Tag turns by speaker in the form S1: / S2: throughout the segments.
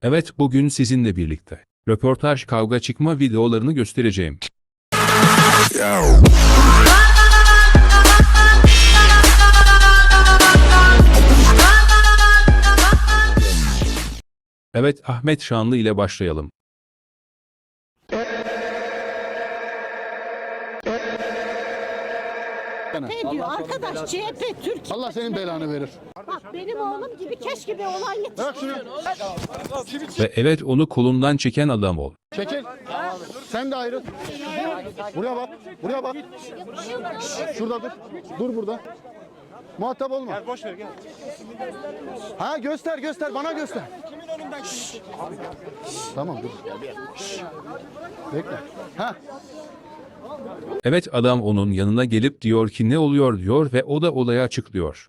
S1: Evet, bugün sizinle birlikte röportaj kavga çıkma videolarını göstereceğim. Evet, Ahmet Şanlı ile başlayalım.
S2: Ne diyor arkadaş, CHP Türkiye.
S3: Allah senin belanı verir.
S2: Bak benim oğlum gibi keşke bir olay
S3: Bırak
S2: yetiştirsin.
S3: şunu.
S1: Ve evet, onu kolundan çeken adam ol.
S3: Çekil. Sen de ayrıl. Buraya bak. Buraya bak. Şurada dur. Dur burada. Muhatap olma. Gel boş ver gel. Ha göster göster bana göster. Kimin önünden Tamam dur. Bekle. Ha.
S1: Evet, adam onun yanına gelip diyor ki ne oluyor diyor ve o da olayı açıklıyor.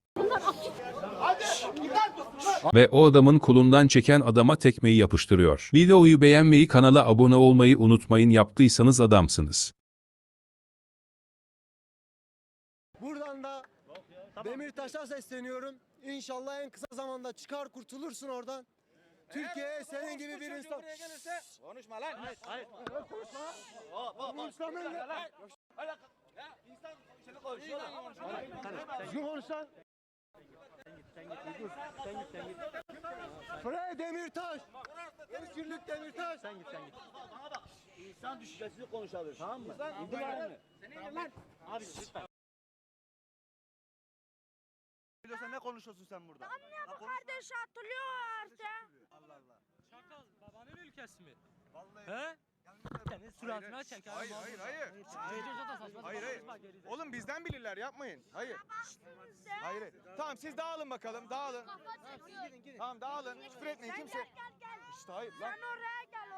S1: Ve o adamın kolundan çeken adama tekmeyi yapıştırıyor. Videoyu beğenmeyi, kanala abone olmayı unutmayın, yaptıysanız adamsınız.
S4: Buradan da Demirtaş'a sesleniyorum. İnşallah en kısa zamanda çıkar kurtulursun oradan. Türkiye'ye senin gibi bir insan...
S5: Konuşma lan. Hayır.
S4: Konuşma lan.
S5: İnsan seni konuşuyor.
S4: Düzgün konuş lan. Frey Demirtaş. Özgürlük Demirtaş. Sen git.
S5: Bana bak. İnsan düşüncesini konuşabilir, tamam mı? İndir lan. Senin lan. Abi lütfen. Biliyorsan ne konuşuyorsun sen burada?
S6: Bu kardeş hatırlıyor artık.
S5: Allah Allah.
S7: Çakal babanın ülkesi mi?
S5: Vallahi.
S7: He? Senin suratına çek.
S8: Hayır. Oğlum bizden bilirler, yapmayın. Hayır. Hayır. Tamam siz dağılın bakalım, dağılın. Tamam dağılın. Küfür etmeyin kimse.
S6: Gel.
S8: İşte hayır lan.
S6: Sen oraya gel.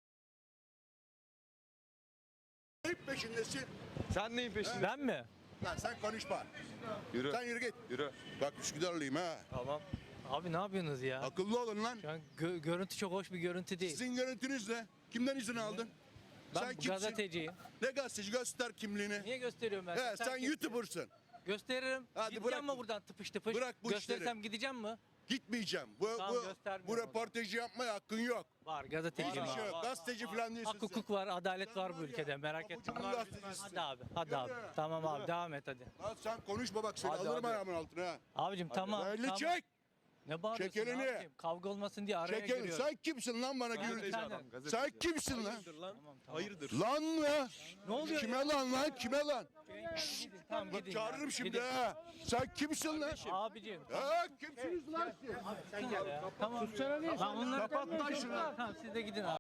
S9: Hep peşindesin.
S8: Sen neyin peşinde?
S7: Ben mi?
S9: Lan sen konuşma.
S8: Yürü.
S9: Sen yürü git.
S8: Yürü.
S9: Bak Üsküdarlıyım ha.
S8: Tamam.
S7: Abi ne yapıyorsunuz ya?
S9: Akıllı olun lan.
S7: Şu an görüntü çok hoş bir görüntü değil.
S9: Sizin görüntünüz ne? Kimden izin aldın?
S7: Ben
S9: Sen kimsin?
S7: gazeteciyim.
S9: Ne gazeteci? Göster kimliğini.
S7: Niye gösteriyorum ben?
S9: He, sen
S7: kimsin?
S9: YouTuber'sın.
S7: Gösteririm.
S9: Hadi
S7: Gideceğim
S9: bırak.
S7: mi buradan tıpış tıpış?
S9: Bırak bu
S7: Gösterirsem
S9: işleri.
S7: gideceğim mi?
S9: Gitmeyeceğim.
S7: Tamam,
S9: Bu
S7: göstermiyorum.
S9: röportajı yapmaya hakkın yok.
S7: Var,
S9: Hiçbir
S7: gazeteciyim
S9: şey
S7: abi.
S9: yok. Gazeteci falan değilsin
S7: Hak hukuk var, adalet var bu ülkede, merak etme.
S9: Pabucumun gazetecisisin.
S7: Hadi abi, hadi abi. Tamam abi, devam et hadi.
S9: Lan sen konuşma bak seni
S7: Hadi,
S9: alırım
S7: hadi.
S9: ayağımın altına ha.
S7: Abicim tamam.
S9: Elini
S7: tamam.
S9: çek.
S7: Ne bağırıyorsun?
S9: Çek elini.
S7: Ne yapayım? Kavga olmasın diye araya
S9: Çek elini.
S7: giriyorum.
S9: Sen kimsin lan bana
S7: Ben
S9: gürültü?
S7: efendim.
S9: Sen kimsin lan?
S7: Tamam, tamam.
S8: Hayırdır?
S9: Lan ya.
S7: Ne oluyor
S9: Kime
S7: ya?
S9: lan? Kime lan?
S7: Tamam
S9: Bak
S7: gidin.
S9: çağırırım şimdi
S7: Gidin.
S9: ha. Sen kimsin lan?
S7: Abicim.
S9: Ha kimsiniz lan siz?
S7: Sen gel ya. Tamam. Lan onları
S9: Kapat lan şunu.
S7: Tamam siz de gidin abi.